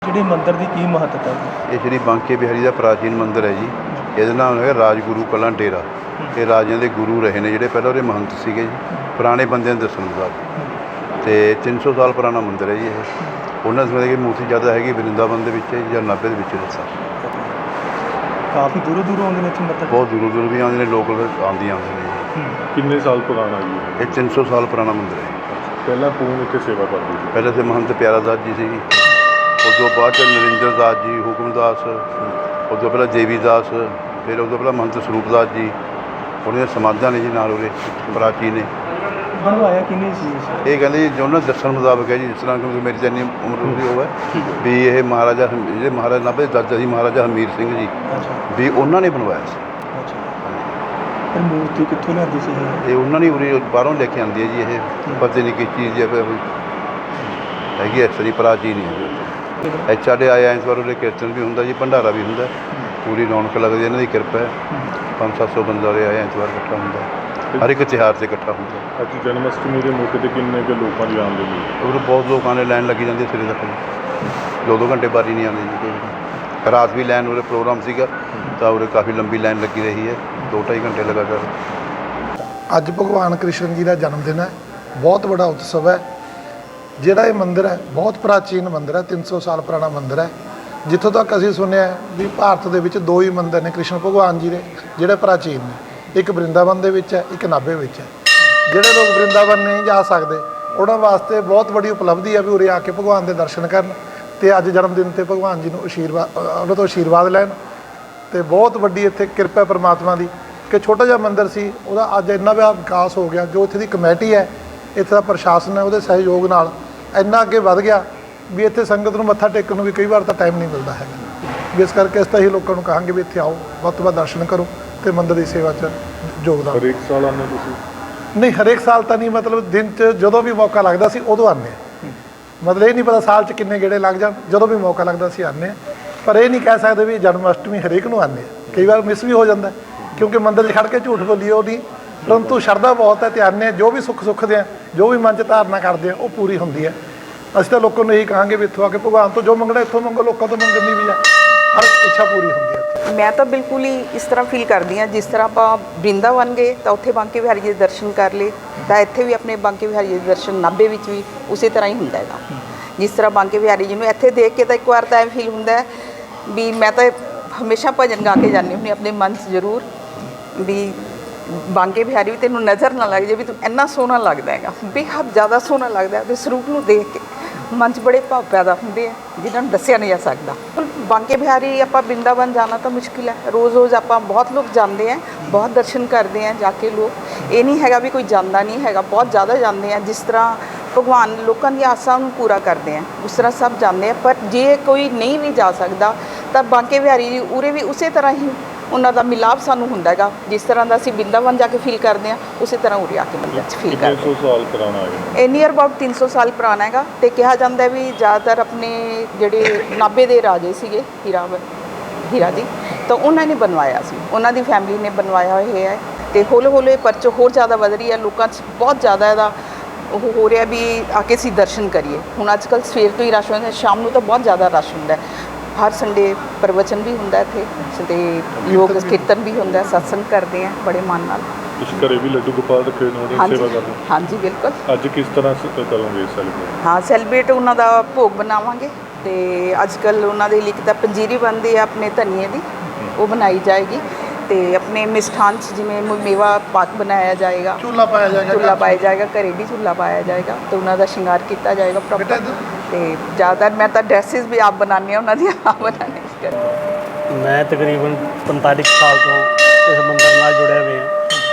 ਜਿਹੜੇ ਮੰਦਿਰ ਦੀ ਕੀ ਮਹੱਤਤਾ ਹੈ? ਇਹ ਸ਼੍ਰੀ ਬਾਂਕੇ ਬਿਹਾਰੀ ਦਾ ਪ੍ਰਾਚੀਨ ਮੰਦਿਰ ਹੈ ਜੀ। ਇਹਦਾ ਨਾਮ ਹੈਗਾ ਰਾਜਗੁਰੂ ਕਲਾਂ ਡੇਰਾ। ਇਹ ਰਾਜਿਆਂ ਦੇ ਗੁਰੂ ਰਹੇ ਨੇ ਜਿਹੜੇ ਪਹਿਲਾਂ ਉਹਦੇ ਮਹੰਤ ਸੀਗੇ ਜੀ, ਪੁਰਾਣੇ ਬੰਦਿਆਂ ਦੇ ਦੱਸਣ ਮੁਤਾਬਕ। ਅਤੇ 300 ਸਾਲ ਪੁਰਾਣਾ ਮੰਦਿਰ ਹੈ ਜੀ ਇਹ। ਉਹਨਾਂ ਸਮੇਂ ਦੀ ਮੂਰਤੀ ਜ਼ਿਆਦਾ ਹੈਗੀ ਵਰਿੰਦਾਵਨ ਦੇ ਵਿੱਚ ਜਾਂ ਨਾਭੇ ਦੇ ਵਿੱਚ ਦੱਸਾਂ। ਕਾਫੀ ਦੂਰੋਂ ਦੂਰੋਂ ਆਉਂਦੇ ਨੇ ਇੱਥੇ ਮੱਥਾ? ਬਹੁਤ ਦੂਰੋਂ ਦੂਰੋਂ ਵੀ ਆਉਂਦੇ ਨੇ, ਲੋਕ ਆਉਂਦੇ ਨੇ ਜੀ। ਕਿੰਨੇ ਸਾਲ ਪੁਰਾਣਾ ਜੀ ਇਹ 300 ਸਾਲ ਪੁਰਾਣਾ ਮੰਦਿਰ ਹੈ। ਪਹਿਲਾਂ ਕੌਣ ਇੱਥੇ ਸੇਵਾ ਕਰਦੇ ਸੀ? ਪਹਿਲਾਂ ਤੇ ਮਹੰਤ ਪਿਆਰਾ ਦਾਸ ਜੀ ਸੀ, ਉਸ ਤੋਂ ਬਾਅਦ 'ਚ ਨਰਿੰਦਰ ਦਾਸ ਜੀ, ਹੁਕਮਦਾਸ, ਉਸ ਤੋਂ ਪਹਿਲਾਂ ਦੇਵੀ ਦਾਸ, ਫਿਰ ਉਸ ਤੋਂ ਪਹਿਲਾਂ ਮਹੰਤ ਸਰੂਪ ਦਾਸ ਜੀ। ਉਹਨਾਂ ਦੀਆਂ ਸਮਾਧਾਂ ਨੇ ਜੀ ਨਾਲ ਉਹਦੇ ਪ੍ਰਾਚੀਨ ਨੇ। ਬਣਵਾਇਆ ਕਿਹਨੇ ਸੀ? ਇਹ ਕਹਿੰਦੇ ਜੀ ਜੋ ਉਹਨਾਂ ਦੱਸਣ ਮੁਤਾਬਕ ਹੈ ਜੀ, ਜਿਸ ਤਰ੍ਹਾਂ ਕਿਉਂਕਿ ਮੇਰੀ ਤਾਂ ਇੰਨੀ ਉਮਰ ਹੁੰਦੀ ਉਹ ਹੈ ਵੀ ਇਹ ਮਹਾਰਾਜਾ ਜਿਹੜੇ ਮਹਾਰਾਜਾ ਨਾਭੇ ਦੇ ਦਾਦਾ ਸੀ ਮਹਾਰਾਜਾ ਹਮੀਰ ਸਿੰਘ ਜੀ ਵੀ ਉਹਨਾਂ ਨੇ ਬਣਵਾਇਆ ਸੀ। ਫਿਰ ਮੂਰਤੀ ਕਿੱਥੋਂ ਲਿਆਂਦੀ ਸੀ ਇਹ ਉਹਨਾਂ ਨੇ ਉਰੇ ਬਾਹਰੋਂ ਲੈ ਕੇ ਆਉਂਦੀ ਹੈ ਜੀ। ਇਹ ਪਤਾ ਨਹੀਂ ਕਿਸ ਚੀਜ਼ ਦੀ ਹੈਗੀ, ਇਸ ਤਰ੍ਹਾਂ ਪ੍ਰਾਚੀਨ ਹੀ। ਸਾਡੇ ਆਏ ਐਤਵਾਰ ਉਰੇ ਕੀਰਤਨ ਵੀ ਹੁੰਦਾ ਜੀ, ਭੰਡਾਰਾ ਵੀ ਹੁੰਦਾ, ਪੂਰੀ ਰੌਣਕ ਲੱਗਦੀ, ਇਹਨਾਂ ਦੀ ਕਿਰਪਾ ਹੈ। 500-700 ਬੰਦਾ ਉਰੇ ਆਏ ਐਤਵਾਰ ਇਕੱਠਾ ਹੁੰਦਾ, ਹਰ ਇੱਕ ਤਿਉਹਾਰ 'ਤੇ ਇਕੱਠਾ ਹੁੰਦਾ। ਅੱਜ ਜਨਮ ਅਸ਼ਟਮੀ ਦੇ ਮੌਕੇ 'ਤੇ ਕਿੰਨੇ ਕੁ ਲੋਕਾਂ ਦੀ ਆਉਂਦੇ ਨੇ? ਉਰੇ ਬਹੁਤ ਲੋਕਾਂ ਨੇ ਲਾਈਨ ਲੱਗੀ ਜਾਂਦੀ ਸਿਰੇ ਤੱਕ ਜੀ। 2-2 ਘੰਟੇ ਬਾਰੀ ਨਹੀਂ ਆਉਂਦੀ ਜੀ ਕੋਈ। ਰਾਤ ਵੀ ਲਾਈਨ ਉਰੇ ਪ੍ਰੋਗਰਾਮ ਸੀਗਾ ਤਾਂ ਉਰੇ ਕਾਫੀ ਲੰਬੀ ਲਾਈਨ ਲੱਗੀ ਰਹੀ ਹੈ, 2-2.5 ਘੰਟੇ ਲਗਾਤਾਰ। ਅੱਜ ਭਗਵਾਨ ਕ੍ਰਿਸ਼ਨ ਜੀ ਦਾ ਜਨਮ ਦਿਨ ਹੈ। ਬਹੁਤ ਵੱਡਾ ਉਤਸਵ ਹੈ। ਜਿਹੜਾ ਇਹ ਮੰਦਿਰ ਹੈ ਬਹੁਤ ਪ੍ਰਾਚੀਨ ਮੰਦਿਰ ਹੈ, 300 ਸਾਲ ਪੁਰਾਣਾ ਮੰਦਿਰ ਹੈ। ਜਿੱਥੋਂ ਤੱਕ ਅਸੀਂ ਸੁਣਿਆ ਵੀ ਭਾਰਤ ਦੇ ਵਿੱਚ 2 ਹੀ ਮੰਦਿਰ ਨੇ ਕ੍ਰਿਸ਼ਨ ਭਗਵਾਨ ਜੀ ਦੇ ਜਿਹੜੇ ਪ੍ਰਾਚੀਨ ਨੇ। ਇੱਕ ਵਰਿੰਦਾਵਨ ਦੇ ਵਿੱਚ ਹੈ, ਇੱਕ ਨਾਭੇ ਵਿੱਚ ਹੈ। ਜਿਹੜੇ ਲੋਕ ਵਰਿੰਦਾਵਨ ਨਹੀਂ ਜਾ ਸਕਦੇ ਉਹਨਾਂ ਵਾਸਤੇ ਬਹੁਤ ਵੱਡੀ ਉਪਲਬਧੀ ਹੈ ਵੀ ਉਰੇ ਆ ਕੇ ਭਗਵਾਨ ਦੇ ਦਰਸ਼ਨ ਕਰਨ ਅਤੇ ਅੱਜ ਜਨਮ ਦਿਨ 'ਤੇ ਭਗਵਾਨ ਜੀ ਨੂੰ ਉਹਨਾਂ ਤੋਂ ਆਸ਼ੀਰਵਾਦ ਲੈਣ। ਅਤੇ ਬਹੁਤ ਵੱਡੀ ਇੱਥੇ ਕਿਰਪਾ ਪਰਮਾਤਮਾ ਦੀ ਕਿ ਛੋਟਾ ਜਿਹਾ ਮੰਦਿਰ ਸੀ, ਉਹਦਾ ਅੱਜ ਇੰਨਾ ਵਿਕਾਸ ਹੋ ਗਿਆ। ਜੋ ਇੱਥੇ ਦੀ ਕਮੇਟੀ ਹੈ, ਇੱਥੇ ਦਾ ਪ੍ਰਸ਼ਾਸਨ ਹੈ, ਉਹਦੇ ਸਹਿਯੋਗ ਨਾਲ ਇੰਨਾ ਅੱਗੇ ਵੱਧ ਗਿਆ ਵੀ ਇੱਥੇ ਸੰਗਤ ਨੂੰ ਮੱਥਾ ਟੇਕਣ ਨੂੰ ਵੀ ਕਈ ਵਾਰ ਤਾਂ ਟਾਈਮ ਨਹੀਂ ਮਿਲਦਾ ਹੈਗਾ। ਵੀ ਇਸ ਕਰਕੇ ਅਸੀਂ ਤਾਂ ਹੀ ਲੋਕਾਂ ਨੂੰ ਕਹਾਂਗੇ ਵੀ ਇੱਥੇ ਆਓ, ਵੱਧ ਤੋਂ ਵੱਧ ਦਰਸ਼ਨ ਕਰੋ ਅਤੇ ਮੰਦਿਰ ਦੀ ਸੇਵਾ 'ਚ ਯੋਗਦਾਨ। ਹਰੇਕ ਸਾਲ ਆਉਂਦੇ ਤੁਸੀਂ? ਨਹੀਂ, ਹਰੇਕ ਸਾਲ ਤਾਂ ਨਹੀਂ, ਮਤਲਬ ਦਿਨ 'ਚ ਜਦੋਂ ਵੀ ਮੌਕਾ ਲੱਗਦਾ ਸੀ ਉਦੋਂ ਆਉਂਦੇ ਹਾਂ। ਮਤਲਬ ਇਹ ਨਹੀਂ ਪਤਾ ਸਾਲ 'ਚ ਕਿੰਨੇ ਗੇੜੇ ਲੱਗ ਜਾਣ, ਜਦੋਂ ਵੀ ਮੌਕਾ ਲੱਗਦਾ ਸੀ ਆਉਂਦੇ ਹਾਂ। ਪਰ ਇਹ ਨਹੀਂ ਕਹਿ ਸਕਦੇ ਵੀ ਜਨਮ ਅਸ਼ਟਮੀ ਹਰੇਕ ਨੂੰ ਆਉਂਦੇ ਹਾਂ। ਕਈ ਵਾਰ ਮਿਸ ਵੀ ਹੋ ਜਾਂਦਾ ਕਿਉਂਕਿ ਮੰਦਿਰ 'ਚ ਖੜ੍ਹ ਕੇ ਝੂਠ ਬੋਲੀਏ ਉਹ ਨਹੀਂ, ਪਰੰਤੂ ਸ਼ਰਧਾ ਬਹੁਤ ਹੈ ਅਤੇ ਆਉਂਦੇ ਹਾਂ। ਜੋ ਵੀ ਸੁੱਖ ਸੁੱਖਦੇ ਆ, ਜੋ ਵੀ ਮਨ 'ਚ ਧਾਰਨਾ ਕਰਦੇ ਆ ਉਹ ਪੂਰੀ ਹੁੰਦੀ ਹੈ। ਅਸੀਂ ਤਾਂ ਲੋਕਾਂ ਨੂੰ ਇਹੀ ਕਹਾਂਗੇ ਵੀ ਇੱਥੋਂ ਆ ਕੇ ਭਗਵਾਨ ਤੋਂ ਜੋ ਮੰਗਣਾ ਇੱਥੋਂ ਮੰਗੋ, ਲੋਕਾਂ ਤੋਂ ਮੰਗਣ ਦੀ ਵੀ ਹੈ, ਹਰ ਇੱਛਾ ਪੂਰੀ ਹੁੰਦੀ ਹੈ। ਮੈਂ ਤਾਂ ਬਿਲਕੁਲ ਹੀ ਇਸ ਤਰ੍ਹਾਂ ਫੀਲ ਕਰਦੀ ਹਾਂ ਜਿਸ ਤਰ੍ਹਾਂ ਆਪਾਂ ਬ੍ਰਿੰਦਾਵਨ ਗਏ ਤਾਂ ਉੱਥੇ ਬਾਂਕੇ ਬਿਹਾਰੀ ਜੀ ਦੇ ਦਰਸ਼ਨ ਕਰ ਲਏ, ਤਾਂ ਇੱਥੇ ਵੀ ਆਪਣੇ ਬਾਂਕੇ ਬਿਹਾਰੀ ਜੀ ਦੇ ਦਰਸ਼ਨ ਨਾਭੇ ਵਿੱਚ ਵੀ ਉਸੇ ਤਰ੍ਹਾਂ ਹੀ ਹੁੰਦਾ ਹੈਗਾ। ਜਿਸ ਤਰ੍ਹਾਂ ਬਾਂਕੇ ਬਿਹਾਰੀ ਜੀ ਨੂੰ ਇੱਥੇ ਦੇਖ ਕੇ ਤਾਂ ਇੱਕ ਵਾਰ ਤਾਂ ਇਹ ਫੀਲ ਹੁੰਦਾ ਹੈ ਵੀ ਮੈਂ ਤਾਂ ਹਮੇਸ਼ਾ ਭਜਨ ਗਾ ਕੇ ਜਾਂਦੀ ਹੁੰਦੀ ਆਪਣੇ ਮਨ 'ਚ ਜ਼ਰੂਰ ਵੀ ਬਾਂਕੇ ਬਿਹਾਰੀ ਵੀ ਤੈਨੂੰ ਨਜ਼ਰ ਨਾ ਲੱਗ ਜੇ ਵੀ ਤੂੰ ਇੰਨਾ ਸੋਹਣਾ ਲੱਗਦਾ ਹੈਗਾ, ਬੇਹੱਦ ਜ਼ਿਆਦਾ ਸੋਹਣਾ ਲੱਗਦਾ। ਉਹਦੇ ਸਰੂਪ ਨੂੰ ਦੇਖ ਕੇ ਮਨ 'ਚ ਬੜੇ ਭਾਵ ਪੈਦਾ ਹੁੰਦੇ ਆ ਜਿਨ੍ਹਾਂ ਨੂੰ ਦੱਸਿਆ ਨਹੀਂ ਜਾ ਸਕਦਾ। ਬਾਂਕੇ ਬਿਹਾਰੀ ਆਪਾਂ ਬ੍ਰਿੰਦਾਵਨ ਜਾਣਾ ਤਾਂ ਮੁਸ਼ਕਿਲ ਹੈ। ਰੋਜ਼ ਰੋਜ਼ ਆਪਾਂ ਬਹੁਤ ਲੋਕ ਜਾਂਦੇ ਆ, ਬਹੁਤ ਦਰਸ਼ਨ ਕਰਦੇ ਆ ਜਾ ਕੇ ਲੋਕ। ਇਹ ਨਹੀਂ ਹੈਗਾ ਵੀ ਕੋਈ ਜਾਂਦਾ ਨਹੀਂ ਹੈਗਾ, ਬਹੁਤ ਜ਼ਿਆਦਾ ਜਾਂਦੇ ਆ। ਜਿਸ ਤਰ੍ਹਾਂ ਭਗਵਾਨ ਲੋਕਾਂ ਦੀ ਆਸਾਂ ਨੂੰ ਪੂਰਾ ਕਰਦੇ ਆ ਉਸ ਤਰ੍ਹਾਂ ਸਭ ਜਾਂਦੇ ਆ। ਪਰ ਜੇ ਕੋਈ ਨਹੀਂ ਵੀ ਜਾ ਸਕਦਾ ਤਾਂ ਬਾਂਕੇ ਬਿਹਾਰੀ ਜੀ ਉਰੇ ਵੀ ਉਸੇ ਤਰ੍ਹਾਂ ਹੀ ਉਹਨਾਂ ਦਾ ਮਿਲਾਪ ਸਾਨੂੰ ਹੁੰਦਾ ਹੈਗਾ। ਜਿਸ ਤਰ੍ਹਾਂ ਦਾ ਅਸੀਂ ਬ੍ਰਿੰਦਾਵਨ ਜਾ ਕੇ ਫੀਲ ਕਰਦੇ ਹਾਂ ਉਸੇ ਤਰ੍ਹਾਂ ਉਰੇ ਆ ਕੇ ਮੰਦਿਰ 'ਚ ਫੀਲ ਕਰਦੇ। 300 ਸਾਲ ਪੁਰਾਣਾ ਹੈ ਇਹ ਨੀਅਰ ਅਬਾਊਟ 300 ਸਾਲ ਪੁਰਾਣਾ ਹੈਗਾ। ਅਤੇ ਕਿਹਾ ਜਾਂਦਾ ਵੀ ਜ਼ਿਆਦਾਤਰ ਆਪਣੇ ਜਿਹੜੇ ਨਾਭੇ ਦੇ ਰਾਜੇ ਸੀਗੇ ਹੀਰਾ ਜੀ, ਤਾਂ ਉਹਨਾਂ ਨੇ ਬਣਵਾਇਆ ਸੀ, ਉਹਨਾਂ ਦੀ ਫੈਮਿਲੀ ਨੇ ਬਣਵਾਇਆ ਹੋਇਆ ਹੈ। ਅਤੇ ਹੌਲੀ ਹੌਲੀ ਪਰਚ ਹੋਰ ਜ਼ਿਆਦਾ ਵਧ ਰਹੀ ਹੈ, ਲੋਕਾਂ 'ਚ ਬਹੁਤ ਜ਼ਿਆਦਾ ਇਹਦਾ ਉਹ ਹੋ ਰਿਹਾ ਵੀ ਆ ਕੇ ਅਸੀਂ ਦਰਸ਼ਨ ਕਰੀਏ। ਹੁਣ ਅੱਜ ਕੱਲ੍ਹ ਸਵੇਰ ਤੋਂ ਹੀ ਰਸ਼ ਹੁੰਦਾ, ਸ਼ਾਮ ਨੂੰ ਤਾਂ ਬਹੁਤ ਜ਼ਿਆਦਾ ਰਸ਼ ਹੁੰਦਾ। ਹਰ ਸੰਡੇ ਪ੍ਰਵਚਨ ਵੀ ਹੁੰਦਾ ਇੱਥੇ ਅਤੇ ਲੋਕ ਕੀਰਤਨ ਵੀ ਹੁੰਦਾ, ਸਤਸੰਗ ਕਰਦੇ ਆ ਬੜੇ ਮਨ ਨਾਲ। ਤੁਸੀਂ ਘਰੇ ਵੀ ਲੱਡੂ ਗੋਪਾਲ ਰੱਖੇ ਨੇ, ਉਹਦੀ ਸੇਵਾ ਕਰਦੇ? ਹਾਂਜੀ ਬਿਲਕੁਲ। ਅੱਜ ਕਿਸ ਤਰ੍ਹਾਂ ਕਰੋਗੇ ਸੈਲੀਬ੍ਰੇਟ? ਹਾਂ, ਸੈਲੀਬ੍ਰੇਟ ਉਹਨਾਂ ਦਾ ਭੋਗ ਬਣਾਵਾਂਗੇ ਅਤੇ ਅੱਜ ਕੱਲ੍ਹ ਉਹਨਾਂ ਦੇ ਲਈ ਤਾਂ ਪੰਜੀਰੀ ਬਣਦੀ ਹੈ ਆਪਣੇ ਧਨੀਏ ਦੀ, ਉਹ ਬਣਾਈ ਜਾਏਗੀ। ਅਤੇ ਆਪਣੇ ਮਿਸ਼ਠਾਨ 'ਚ ਜਿਵੇਂ ਮੇਵਾ ਪਾਕ ਬਣਾਇਆ ਜਾਏਗਾ, ਝੂਲਾ ਪਾਇਆ ਜਾਏਗਾ, ਘਰੇ ਵੀ ਝੂਲਾ ਪਾਇਆ ਜਾਏਗਾ ਅਤੇ ਉਹਨਾਂ ਦਾ ਸ਼ਿੰਗਾਰ ਕੀਤਾ ਜਾਏਗਾ ਪ੍ਰੋਪਰ। ਅਤੇ ਜ਼ਿਆਦਾਤਰ ਮੈਂ ਤਾਂ ਡਰੈਸਿਸ ਵੀ ਆਪ ਬਣਾਉਂਦੀ ਹਾਂ ਉਹਨਾਂ ਦੀਆਂ, ਆਪ ਬਣਾਉਂਦੀ ਹਾਂ। ਮੈਂ ਤਕਰੀਬਨ 45 ਸਾਲ ਤੋਂ ਇਸ ਮੰਦਿਰ ਨਾਲ ਜੁੜਿਆ ਹੋਇਆ।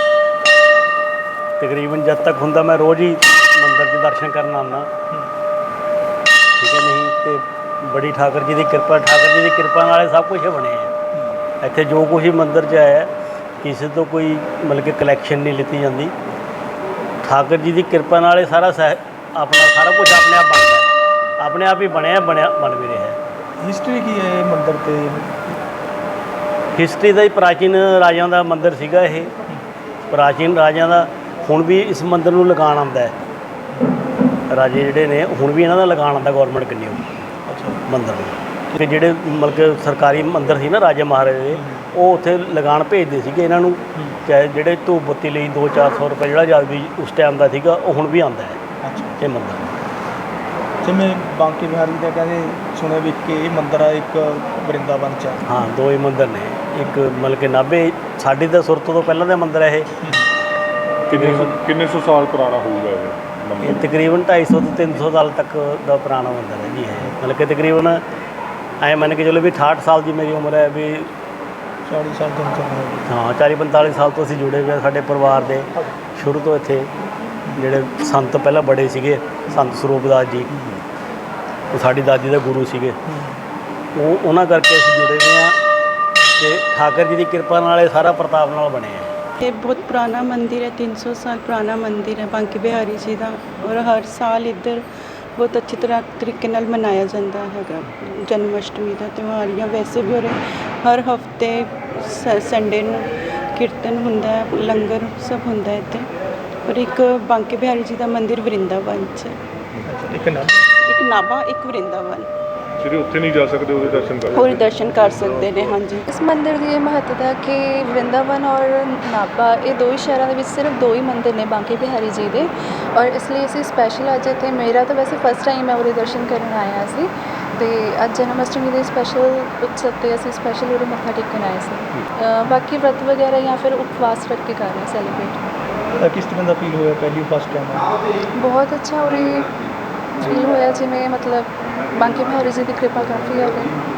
ਤਕਰੀਬਨ ਜਦ ਤੱਕ ਹੁੰਦਾ ਮੈਂ ਰੋਜ਼ ਹੀ ਮੰਦਿਰ ਦੇ ਦਰਸ਼ਨ ਕਰਨ ਆਉਂਦਾ, ਠੀਕ ਹੈ ਨਹੀਂ। ਅਤੇ ਬੜੀ ਠਾਕਰ ਜੀ ਦੀ ਕਿਰਪਾ ਨਾਲ ਸਭ ਕੁਝ ਬਣਿਆ ਹੈ। ਇੱਥੇ ਜੋ ਕੁਛ ਹੀ ਮੰਦਿਰ 'ਚ ਆਇਆ ਕਿਸੇ ਤੋਂ ਕੋਈ ਮਤਲਬ ਕਿ ਕਲੈਕਸ਼ਨ ਨਹੀਂ ਲਿੱਤੀ ਜਾਂਦੀ। ਠਾਕਰ ਜੀ ਦੀ ਕਿਰਪਾ ਨਾਲ ਇਹ ਸਾਰਾ ਆਪਣਾ ਸਾਰਾ ਕੁਝ ਆਪਣੇ ਆਪ ਬਣਦਾ, ਆਪਣੇ ਆਪ ਹੀ ਬਣ ਵੀ ਰਿਹਾ। ਹਿਸਟਰੀ ਕੀ ਹੈ ਇਹ ਮੰਦਿਰ 'ਤੇ? ਹਿਸਟਰੀ ਦਾ ਹੀ ਪ੍ਰਾਚੀਨ ਰਾਜਿਆਂ ਦਾ ਮੰਦਿਰ ਸੀਗਾ ਇਹ, ਪ੍ਰਾਚੀਨ ਰਾਜਿਆਂ ਦਾ। ਹੁਣ ਵੀ ਇਸ ਮੰਦਿਰ ਨੂੰ ਲਗਾਉਣ ਆਉਂਦਾ ਹੈ, ਰਾਜੇ ਜਿਹੜੇ ਨੇ ਹੁਣ ਵੀ ਇਹਨਾਂ ਦਾ ਲਗਾਉਣ ਆਉਂਦਾ ਗੌਰਮੈਂਟ ਕਿੰਨੀ। ਅੱਛਾ। ਮੰਦਰ ਨੂੰ। ਤੇ ਜਿਹੜੇ ਮਤਲਬ ਕਿ ਸਰਕਾਰੀ ਮੰਦਰ ਸੀ ਨਾ ਰਾਜੇ ਮਹਾਰਾਜੇ ਦੇ, ਉਹ ਉੱਥੇ ਲਗਾਨ ਭੇਜਦੇ ਸੀਗੇ ਇਹਨਾਂ ਨੂੰ, ਚਾਹੇ ਜਿਹੜੇ ਧੂਪ ਬੱਤੀ ਲਈ 200-400 ਰੁਪਏ ਜਿਹੜਾ ਜਦ ਵੀ ਉਸ ਟਾਈਮ ਦਾ ਸੀਗਾ, ਉਹ ਹੁਣ ਵੀ ਆਉਂਦਾ ਹੈ ਅੱਛਾ, ਇਹ ਮੰਦਰ। ਜਿਵੇਂ ਬਾਂਕੇ ਬਿਹਾਰੀ ਦਾ ਕਹਿੰਦੇ ਸੁਣਿਆ ਵੀ ਕਿ ਇਹ ਮੰਦਰ ਆ ਇੱਕ ਵਰਿੰਦਾਵਨ ਚ ਆ। ਹਾਂ, ਦੋ ਹੀ ਮੰਦਰ ਨੇ, ਇੱਕ ਮਤਲਬ ਕਿ ਨਾਭੇ ਸਾਡੀ ਤਾਂ ਸੁਰਤ ਤੋਂ ਪਹਿਲਾਂ ਦਾ ਮੰਦਰ ਹੈ ਇਹ। ਕਿੰਨੇ ਸੌ ਸਾਲ ਪੁਰਾਣਾ ਹੋਊਗਾ ਇਹ ਇਹ ਮੰਦਿਰ? ਤਕਰੀਬਨ 250 ਤੋਂ 300 ਸਾਲ ਤੱਕ ਦਾ ਪੁਰਾਣਾ ਮੰਦਰ ਹੈ ਜੀ ਇਹ। ਮਤਲਬ ਕਿ ਤਕਰੀਬਨ ਐਂ ਮੰਨ ਕੇ ਚਲੋ ਵੀ 68 ਸਾਲ ਦੀ ਮੇਰੀ ਉਮਰ ਹੈ ਵੀ। 40 ਸਾਲ ਤੋਂ ਚੱਲ ਰਿਹਾ। ਹਾਂ, 40-45 ਸਾਲ ਤੋਂ ਅਸੀਂ ਜੁੜੇ ਹੋਏ ਹਾਂ। ਸਾਡੇ ਪਰਿਵਾਰ ਦੇ ਸ਼ੁਰੂ ਤੋਂ ਇੱਥੇ ਜਿਹੜੇ ਸੰਤ ਪਹਿਲਾਂ ਬੜੇ ਸੀਗੇ, ਸੰਤ ਸਰੂਪਦਾਸ ਜੀ, ਉਹ ਸਾਡੀ ਦਾਦੀ ਦੇ ਗੁਰੂ ਸੀਗੇ, ਉਹਨਾਂ ਕਰਕੇ ਅਸੀਂ ਜੁੜੇ ਹੋਏ ਹਾਂ ਤੇ ਠਾਕਰ ਜੀ ਦੀ ਕਿਰਪਾ ਨਾਲ ਇਹ ਸਾਰਾ ਪ੍ਰਤਾਪ ਨਾਲ ਬਣਿਆ ਹੈ। ये बहुत पुराना मंदिर है, 300 साल पुराना मंदिर है बांके बिहारी जी का। और हर साल इधर बहुत अच्छी तरह तरीके नाल मनाया जाता है जन्माष्टमी का त्यौहार, या वैसे भी। और हर हफ्ते संडे नूं कीर्तन हुंदा है, लंगर सब हुंदा है इत्थे। और एक बांके बिहारी जी का मंदिर वृंदावन च, ਇੱਕ ਨਾ एक नाभा एक वृंदावन, ਜਿਹੜੇ ਉੱਥੇ ਨਹੀਂ ਜਾ ਸਕਦੇ ਉਹਦੇ ਦਰਸ਼ਨ ਕਰ और दर्शन कर सकते हैं। हाँ जी, ਇਸ ਮੰਦਿਰ ਦੀ ਇਹ ਮਹੱਤਤਾ ਕਿ ਵਰਿੰਦਾਵਨ ਔਰ ਨਾਭਾ ਇਹ ਦੋ ਹੀ ਸ਼ਹਿਰਾਂ ਦੇ ਵਿੱਚ ਸਿਰਫ ਦੋ ਹੀ ਮੰਦਿਰ ਨੇ ਬਾਂਕੇ ਬਿਹਾਰੀ ਜੀ ਦੇ। ਔਰ ਇਸ ਲਈ ਅਸੀਂ ਸਪੈਸ਼ਲ ਅੱਜ ਇੱਥੇ, ਮੇਰਾ ਤਾਂ ਵੈਸੇ ਫਸਟ ਟਾਈਮ ਮੈਂ ਉਹਦੇ ਦਰਸ਼ਨ ਕਰਨ ਆਇਆ ਸੀ, ਅਤੇ ਅੱਜ ਜਨਮ ਅਸ਼ਟਮੀ ਦੇ ਸਪੈਸ਼ਲ ਉਤਸਵ 'ਤੇ ਅਸੀਂ ਸਪੈਸ਼ਲ ਉਹਦੇ ਮੱਥਾ ਟੇਕਣ ਆਏ ਸੀ। ਬਾਕੀ ਵਰਤ ਵਗੈਰਾ ਜਾਂ ਫਿਰ ਉਪਵਾਸ ਰੱਖ ਕੇ ਕਰ ਰਹੇ ਸੈਲੀਬ੍ਰੇਟ। ਕਿਸ ਤਰ੍ਹਾਂ ਦਾ ਫੀਲ ਹੋਇਆ ਪਹਿਲੀ ਫਸਟ ਟਾਈਮ? ਬਹੁਤ ਅੱਛਾ ਉਰੇ ਫੀਲ ਹੋਇਆ, ਜਿਵੇਂ ਮਤਲਬ ਬਾਂਕੇ ਬਿਹਾਰੀ ਜੀ ਦੀ ਕਿਰਪਾ ਕਾਫੀ ਹੈ ਉਰੇ।